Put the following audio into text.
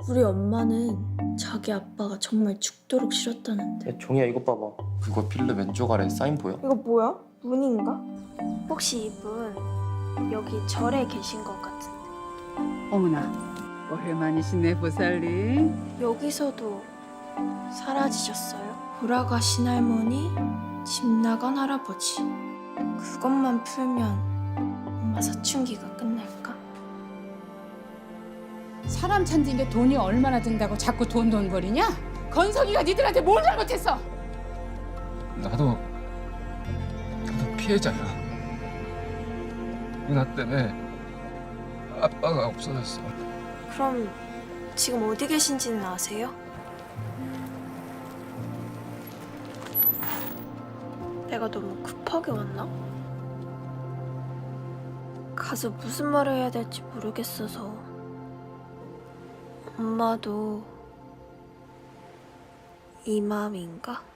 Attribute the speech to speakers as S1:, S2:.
S1: 우리 엄마는 자기 아빠가 정말 죽도록 싫었다는데.
S2: 야, 종이야 이것 봐봐. 그거 필름 왼쪽 아래 사인 보여?
S1: 이거 뭐야? 문인가?
S3: 혹시 이분 여기 절에 계신 것 같은데
S4: 어머나, 오랜만이시네 보살리.
S3: 여기서도 사라지셨어요?
S1: 돌아가신 할머니, 집 나간 할아버지. 그것만 풀면 엄마 사춘기가 끝날까?
S5: 사람 찾는 게 돈이 얼마나 든다고 자꾸 돈 거리냐? 건석이가 니들한테 뭘 잘못했어?
S6: 나도 피해자야. 누나 때문에 아빠가 없어졌어.
S3: 그럼 지금 어디 계신지는 아세요? 내가 너무 급하게 왔나? 가서 무슨 말을 해야 될지 모르겠어서 엄마도 이 마음인가?